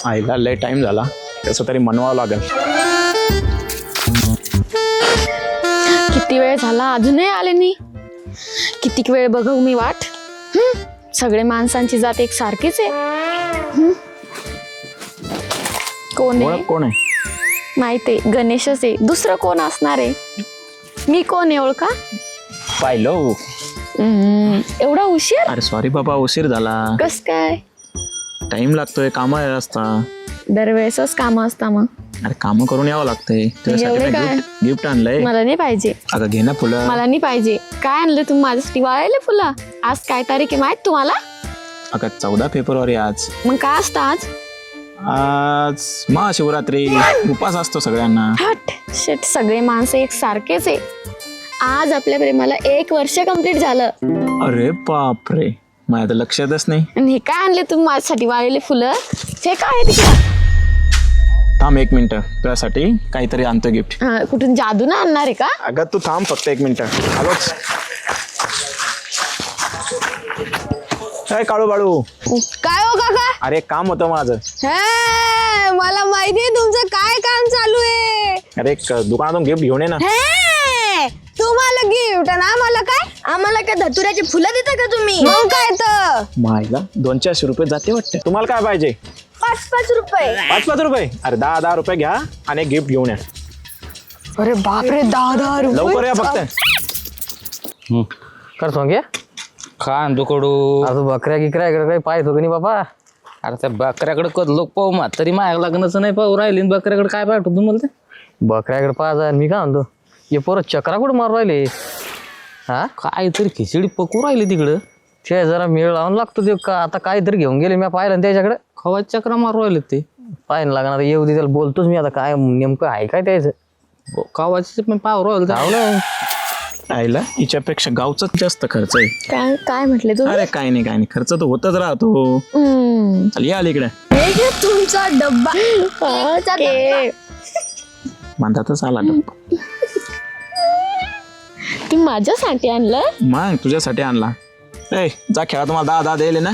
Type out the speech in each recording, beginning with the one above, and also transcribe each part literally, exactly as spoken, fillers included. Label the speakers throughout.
Speaker 1: आईला लय टाइम झाला, कसं तरी मनवावं लागेल.
Speaker 2: किती वेळ झाला अजूनही आले नाही. किती वेळ बघू मी वाट. हम्म, सगळे माणसांची जात एक सारखीच आहे. हम्म. कोण आहे?
Speaker 1: ओळख कोण आहे?
Speaker 2: माहिती आहे, गणेशच आहे. दुसरं कोण असणार आहे? मी कोण आहे ओळखा?
Speaker 1: पाहिलो.
Speaker 2: हम्म, एवढा उशीर?
Speaker 1: अरे सॉरी बाबा, उशीर झाला.
Speaker 2: कस काय?
Speaker 1: टाइम लागतोय, काम असता.
Speaker 2: दरवेळेसच काम असता मग.
Speaker 1: अरे काम करून यावं लागतंय.
Speaker 2: एवढे काय?
Speaker 1: गिफ्ट आणलंय.
Speaker 2: मला नाही पाहिजे.
Speaker 1: अगं घे ना फुलं.
Speaker 2: मला नाही पाहिजे. काय आणलं तुम्ही माझ्यासाठी? वाळायले फुलं? आज काय तारीख आहे माहित तुम्हाला?
Speaker 1: अगं चौदा फेब्रुवारी आज.
Speaker 2: मग काय असतं आज?
Speaker 1: आज महाशिवरात्री, उपास असतो सगळ्यांना.
Speaker 2: हट शेट, सगळे माणसं एक सारखेच आहे. आज आपल्या प्रेमाला एक वर्ष कंप्लीट झालं.
Speaker 1: अरे बापरे, माझ्या तर लक्षातच नाही.
Speaker 2: आणि हे काय आणले तुम्ही माझ्यासाठी? वाळलेले फुलं? हे काय आहे तिकडे?
Speaker 1: थांब एक मिनिट, तुझ्यासाठी काहीतरी आणतो गिफ्ट.
Speaker 2: हा, कुठून जादू ना आणणार आहे का?
Speaker 1: अगं तू थांब फक्त एक मिनिट. आलोच. काय काळू बाळू?
Speaker 3: काय हो काका?
Speaker 1: अरे काम होतं माझं.
Speaker 3: हे, मला माहितीये तुमचं काय काम चालू आहे.
Speaker 1: अरे एक दुकानातून गिफ्ट घेऊन ये ना.
Speaker 3: हे, तुम्हाला गिफ्ट आणि आम्हाला काय? आम्हाला काय धतुऱ्याची फुलं देता का तुम्ही? मग काय तर
Speaker 1: मायला दोन चारशे रुपये जाते वाटते. तुम्हाला काय पाहिजे?
Speaker 3: पाच पाच रुपये.
Speaker 1: पाच पाच रुपये? अरे दहा दहा रुपये घ्या आणि एक गिफ्ट घेऊन या.
Speaker 3: अरे बापरे, दहा दहा
Speaker 1: लवकर या फक्त.
Speaker 4: कर सोंगे
Speaker 5: खान दुकडू.
Speaker 4: आता बकऱ्या गिकऱ्या इकडे काही पाहतो का नाही बाबा?
Speaker 5: अरे त्या बकऱ्याकडे कध लोक पाहू मा तरी माग लग्नाचं नाही पाहू राहिले. बकऱ्याकडे काय पाहतो तुम्हाला? ते
Speaker 4: बकऱ्याकडे पाहा मी काय म्हणतो, हे पोरं चक्रा कुठं मारू राहिले? हा
Speaker 5: काय तरी खिचडी पकू राहिली तिकडं.
Speaker 4: ते जरा मेळ लावून लागतो ते का. आता काहीतरी घेऊन गेले मी पाहिलं त्याच्याकडे.
Speaker 5: खवाच चक्रा मारू राहिले ते.
Speaker 4: पाहायला लागणार येऊ दे, त्याला बोलतोच मी. आता काय नेमकं आहे काय त्याचं?
Speaker 5: खवाचे पण पाहू राहिले
Speaker 4: जाऊ ना.
Speaker 1: आईला हिच्यापेक्षा गावचाच जास्त खर्च आहे.
Speaker 2: काय काय म्हटले तुम्ही?
Speaker 1: अरे काय नाही काय नाही, खर्च तर होतच राहतो.
Speaker 2: हम्म.
Speaker 1: चल या इकडे.
Speaker 3: हे घे तुमचा डब्बा.
Speaker 2: ओके.
Speaker 1: बांधातच आला डब्बा.
Speaker 2: तुम्ही माझ्यासाठी आणलं?
Speaker 1: मग तुझ्यासाठी आणला. ए जा खेळा, तुम्हाला दहा दहा द्यायले ना.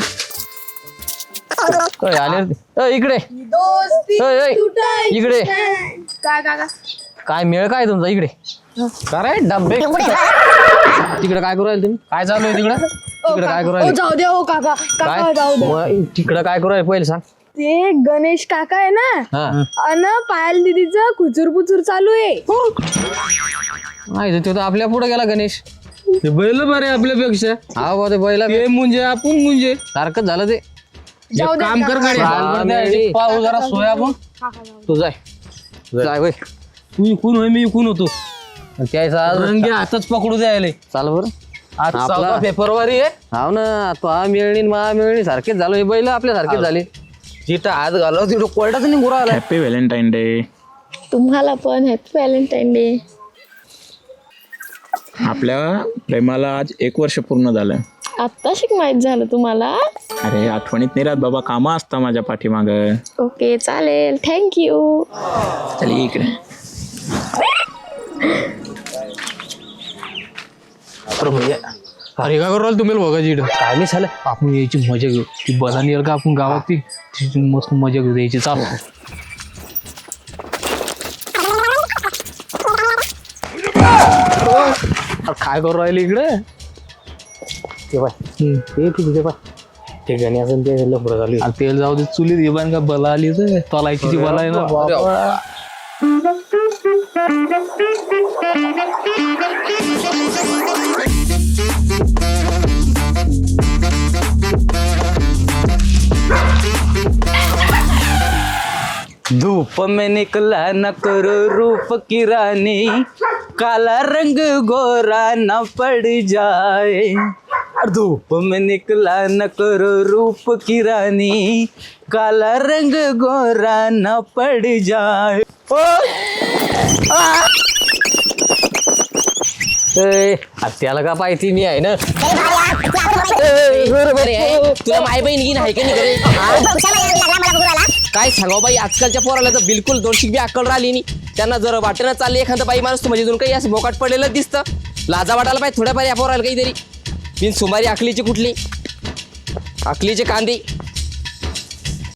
Speaker 4: ओय, आले रे ते. ओय, इकडे ओय, ओय, इकडे
Speaker 3: काय काका?
Speaker 4: काय मेळ काय तुमचा? इकडे
Speaker 5: काय डब्बे
Speaker 4: तिकडे काय करू राहिले तुम्ही? काय चालू आहे तिकडे? तिकडे काय करू
Speaker 3: ओ,
Speaker 4: राहिले?
Speaker 3: जाऊ दे हो काका. काका
Speaker 4: काय
Speaker 3: जाऊ दे.
Speaker 4: मग तिकडे काय करू राहिले पहिले सांग.
Speaker 3: ते गणेश काका आहे ना,
Speaker 4: हा
Speaker 3: अन पायल दीदीचं खुचूर पुचूर चालू आहे.
Speaker 4: नाही ते तर आपल्या पुढे गेला गणेश.
Speaker 5: ते बैल बरे आपल्यापेक्षा.
Speaker 4: हा बा, ते बैला
Speaker 5: ते मुंजे आपण मुंजे
Speaker 4: सारखंच झालं ते.
Speaker 3: जाऊ दे
Speaker 5: काम कर
Speaker 3: काका.
Speaker 5: गाडी पाहू जरा सोया आपण.
Speaker 4: तू जाय जाय वय.
Speaker 5: तू इकून होय मी इकून होतो.
Speaker 4: त्याचा आज
Speaker 5: रंगे हातच पकडू द्यायला.
Speaker 4: चाल बरं.
Speaker 5: आज
Speaker 4: आपला-
Speaker 5: चौदा फेब्रुवारी आहे.
Speaker 4: हाव ना, तो हा मिळणी मा मिळणी सारखेच झालो. हे बैल आपल्या सारखेच झाले.
Speaker 5: जिथं हात घालव तिथं कोर्टाच नाही गुराला.
Speaker 1: Happy Valentine day.
Speaker 2: तुम्हाला पण हॅपी व्हॅलेंटाईन डे.
Speaker 1: आपल्या प्रेमाला आज एक वर्ष पूर्ण झालं.
Speaker 2: आत्ता शिक माहित झालं तुम्हाला?
Speaker 1: अरे आठवणीत नाही राहत बाबा, कामं असता माझ्या पाठीमाग.
Speaker 2: ओके चालेल, थँक्यू.
Speaker 1: चल ये इकडे.
Speaker 5: अरे काय करू तुम्ही बघायची इकडं
Speaker 4: काय नाही झालं.
Speaker 5: आपण यायची मजा घेऊ. ती बदानी येईल का आपण गावात ती तिची मस्त मजा घेऊ द्यायची. चालू
Speaker 4: काय करू राहिले इकडे? ते बाय ते तुझे बाय ते गणी असेल ते लफडं झाली.
Speaker 5: आणि तेल जाऊ दे चुलीत येबान का बला आली तर तलायची ती बला आहे ना बाबा. धूप में निकला न करो रूप की रानी, काला रंग गोरा न पड़ जाए. धूप में निकला न करो रूप की रानी, काला रंग गोरा न पड़ जाए.
Speaker 4: ए, आ, त्याला का पाहिजे मी आहे ना.
Speaker 6: तुला माय बहीण की नाही का नाही काय सांगाव बाई, आजकालच्या पोराला तर बिलकुल दोनशे बी अक्कल राहिली नाही. त्यांना जर वाटेनं चालली एखादं बाई माणूस म्हणजे अजून काही असं बोकाट पडलेलं दिसतं. लाजा वाटायला पाहिजे थोड्याफार या पोराला काहीतरी. बिन सुमारी आकलीची कुठली आकलीचे कांदे